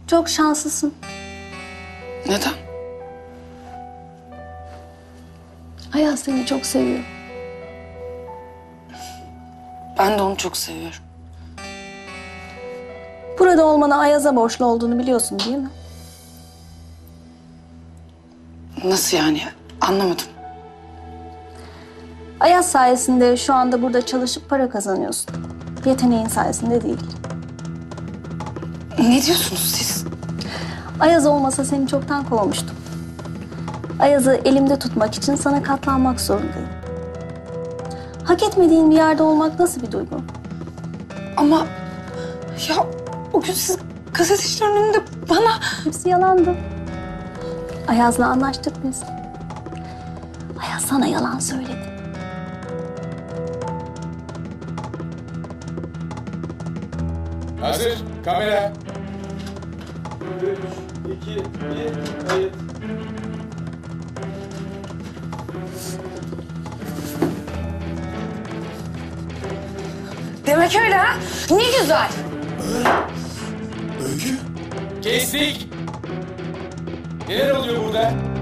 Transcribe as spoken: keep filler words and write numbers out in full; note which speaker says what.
Speaker 1: Çok şanslısın.
Speaker 2: Neden?
Speaker 1: Ayaz seni çok seviyor.
Speaker 2: Ben de onu çok seviyorum.
Speaker 1: Burada olmana Ayaz'a borçlu olduğunu biliyorsun değil mi?
Speaker 2: Nasıl yani? Anlamadım.
Speaker 1: Ayaz sayesinde şu anda burada çalışıp para kazanıyorsun. Yeteneğin sayesinde değil.
Speaker 2: Ne diyorsunuz siz?
Speaker 1: Ayaz olmasa seni çoktan kovmuştum. Ayaz'ı elimde tutmak için sana katlanmak zorundayım. Hak etmediğin bir yerde olmak nasıl bir duygu?
Speaker 2: Ama ya o gün siz gazetecilerin önünde bana...
Speaker 1: Hepsi yalandı. Ayaz'la anlaştık biz. Ayaz sana yalan söyledi.
Speaker 3: Hazır, kamera.
Speaker 4: Üç, iki, bir, kayıt.
Speaker 2: Demek öyle ha? Ne güzel.
Speaker 3: Öykü. Kestik. Neler oluyor burada?